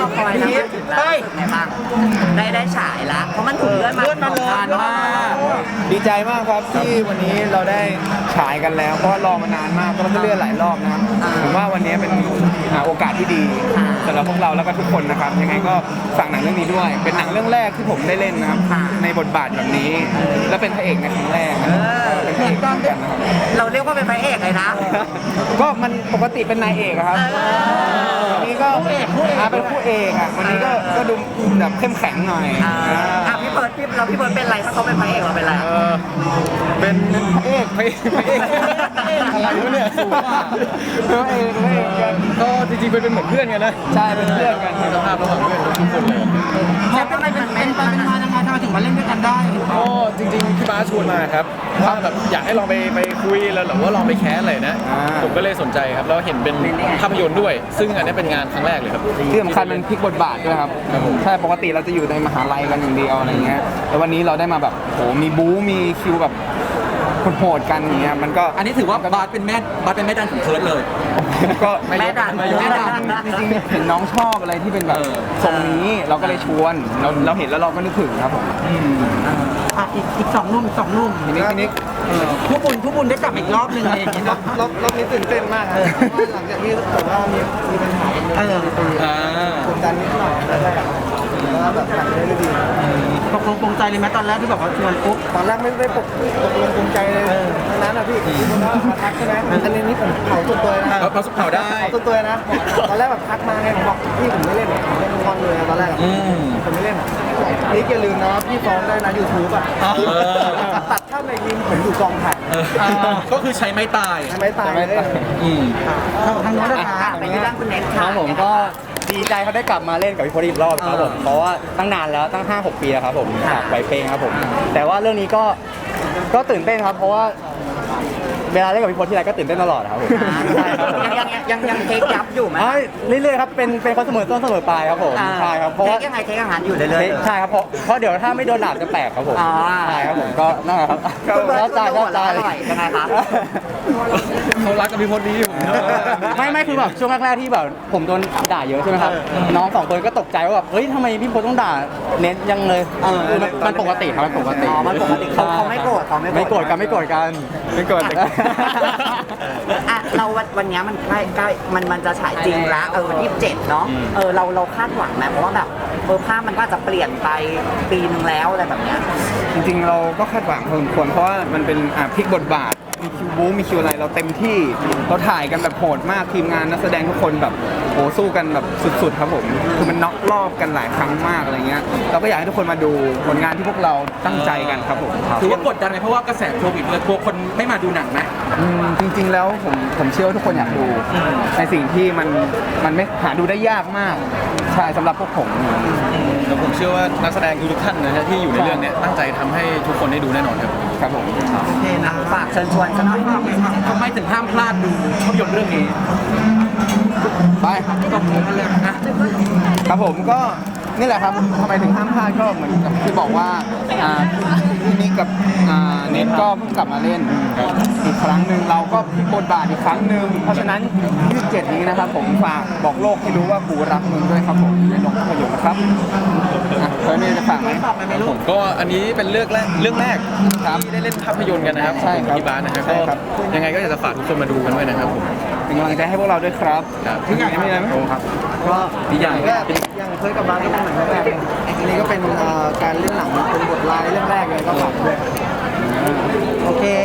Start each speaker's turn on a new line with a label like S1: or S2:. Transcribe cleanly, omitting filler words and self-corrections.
S1: คอยนะถึงแล้วไงบ้างได้ฉายละเพราะมันถูกเลื่อนมาเลยนานมาก
S2: ดีใจมากครับที่วันนี้เราได้ฉายกันแล้วเพราะรอมานานมากก็เลื่อนหลายรอบนะครับผมว่าวันนี้เป็นโอกาสที่ดีสำหรับพวกเราแล้วก็ทุกคนนะครับยังไงก็ฝากหนังเรื่องนี้ด้วย เป็นหนังเรื่องแรกที่ผมได้เล่นนะครับในบทบาทแบบนี้และเป็นพระเอกในครั้งแรกเป็นพระเอกกันนะครับ
S1: เราเรียกว่าเป็นพระเอกเลยนะ
S2: ก็มันปกติเป็นนายเอกครับวันนี้ก็เป็นผู้เอกอ่ะวันนี้ก็ดูแบบเข้มแข็งหน่อย
S1: พี่เบิร์ดเป็นไรถ้าเขาเป็นพระเอกเราเป็นไร
S2: เป็นพระเอกอะไรวะเนี่ยพระเอกกันก็จริงๆเป็นเหมือนเพื่อนกันนะใช่เป็นเพื่อนกันสภาพระหว่างเพื่อนทุกคนเลย
S1: แล้วทำไมเป็นมายังไงทำไมถึงมาเล่นด้วยกันได้
S2: ก็จริงๆพี่บ้าชวนมาครับว่าแบบอยากให้ลองไปคุยแล้วหรือว่าลองไปแคสอะไรนะผมก็เลยสนใจครับแล้วเห็นเป็นภาพยนตร์ด้วยซึ่งอันนี้เป็นงานครั้งแรกเลยครับที่สำคัญมันพลิกบทบาทด้วยครับใช่ปกติเราจะอยู่ในมหาลัยกันอย่างเดียวอะไรเงี้ยแต่วันนี้เราได้มาแบบโหมีบู๊มีคิวแบบโหดกันอย่างเงี้ยมันก็
S3: อันนี้ถือว่าบาสเป็นแม่ดันของเคิร์ดเลย
S2: ก็แม่ดันจริงๆเห็นน้องชอบอะไรที่เป็นแบบทรงนี้เราก็เลยชวนเราเห็นแล้วเราก็นึกถึงครับผม
S1: อีกสองหนุ่ม
S2: ทีนี้
S1: ผู้บุญได้กลับอีกรอบหนึ่งอะไรอย่างเงี้ย
S2: รอบนี้ตื่นเต้นมากครับหลังจากที่แบบว่ามีปัญหากันกดดันนิดหน่อยแรกแล้วแบบผ่านได้ดี
S1: ตกลงปรงใจเลยไหมตอนแรกที่แบบว่าชวนปุ๊บ
S2: ตอนแรกไม่ได้ตกลงปรงใจเลยทั้งนั้นนะพี่คนว่ามาทักใช่ไหมอันนี้ผมเผาตัวตัวนะ
S3: เผาได้
S2: ตัวนะตอนแรกแบบทักมาไงผมบอกพี่ผมไม่เล่นผมเล่นคอนเลยตอนแรกผมไม่เล่นนี่อย่าลืมนะพี่ฟ้องได้นะYouTubeอ่ะตัดถ้าในยิมผมอยู่กองถ่าย
S3: ก็คือใช้ไม้ตาย
S2: ทางโน้นนะคะ
S1: ไปที่ด้านคุณเน็ก
S4: ครับผมก็ดีใจเขาได้กลับมาเล่นกับพี่พจน์อีกรอบครับผมเพราะว่าตั้งนานแล้วตั้ง 5-6 ปีแล้วครับผมจากไวเป้งครับผมแต่ว่าเรื่องนี้ก็ตื่นเต้นครับเพราะว่าเวลาเล่นกับพี่พจน์ที่ไรก็ตื่นเต้นตลอดครับผม
S1: ยังเทคยับอยู่ไหม
S4: เรื่อยๆครับเป็นคนเสมอต้นเสมอปลายครับผมใช่ครับเพราะว่า
S1: เทคอาหารอยู่เรื่อย
S4: ๆใช่ครับเพราะเดี๋ยวถ้าไม่โดนดาบจะแตกครับผมใช่ครับผมก็นั่นแหละครับเข้าใจ
S1: ยังไงครับ
S3: เขารักกับพี่พจน์ดีผม
S4: ไม่คือแบบช่วงแรกๆที่แบบผมโดนด่าเยอะใช่ไหมครับน้องสองคนก็ตกใจว่าแบบเฮ้ยทำไมพี่พจน์ต้องด่าเน้นยังเลยมันปกติครับมันปกติ
S1: เขาไม่โกรธ
S4: กันไม่โกรธ
S1: เราวันนี้มันใกล้มันจะฉายจริงแล้ววันที่7เนาะเราคาดหวังไหมเพราะว่าแบบภาพมันก็จะเปลี่ยนไปปีนึงแล้วอะไรแบบเนี้ย
S2: จริงๆเราก็คาดหวังพอสมควรเพราะว่ามันเป็นพลิกบทบาทมีคิวบู๊มีคิวอะไรเราเต็มที่เราถ่ายกันแบบโหดมากทีมงานนักแสดงทุกคนแบบโหสู้กันแบบสุดๆครับผมคือมันน็อกรอบกันหลายครั้งมากอะไรเงี้ยเราก็อยากให้ทุกคนมาดูผลงานที่พวกเราตั้งใจกันครับผม
S3: ถือว่ากดดันไหมเพราะว่ากระแสโควิดเลยกลัวคนไม่มาดูหนังไหม
S2: จริงๆแล้วผมเชื่อว่าทุกคนอยากดูในสิ่งที่มันไม่หาดูได้ยากมากใช่สำหรับพวกผม
S3: แล้วผมเชื่อว่านักแสดงทุกท่านนะที่อยู่ในเรื่องนี้ตั้งใจทำให้ทุกคนได้ดูแน่นอน
S2: ครับผม
S1: โอเคนะฝากเชิญชวนกันหน่อย
S3: ทำไมถึงห้ามพลาดดูภาพยนตร์เรื่องนี้
S2: ไปครับผมก็นี่แหละครับทำไมถึงห้ามพลาดก็เหมือนกับที่บอกว่าพี่นิกกับเน็ตก็เพิ่งกลับมาเล่นอีกครั้งหนึ่งเราก็พลิกบทบาทอีกครั้งหนึ่งเพราะฉะนั้น27นี้นะครับผมฝากบอกโลกให้รู้ว่ากูรักมึงด้วยครับผมในโรงภาพยนตร์นะครับเคยมีจะฝากไหม
S3: ผมก็อันนี้เป็นเรื่องแรกที่ได้เล่นภาพยนตร์กันนะครับที่บ้านนะครับก็ยังไงก็อยากจะฝากทุกคนมาดูกันด้วยนะครับผม
S2: เป็นกำลังใจให้พวกเราด้วยครับ
S3: ที่ไหนไม่ได้ไหม
S2: ครับก็
S3: ดีใหญ่
S2: ยังเคยกับบ้านก็เป็นหนังแรกอันนี้ก็เป็นการเล่นหนังเป็นบทลายเรื่องแรกเลยก็ฝากด้วย
S1: โอเค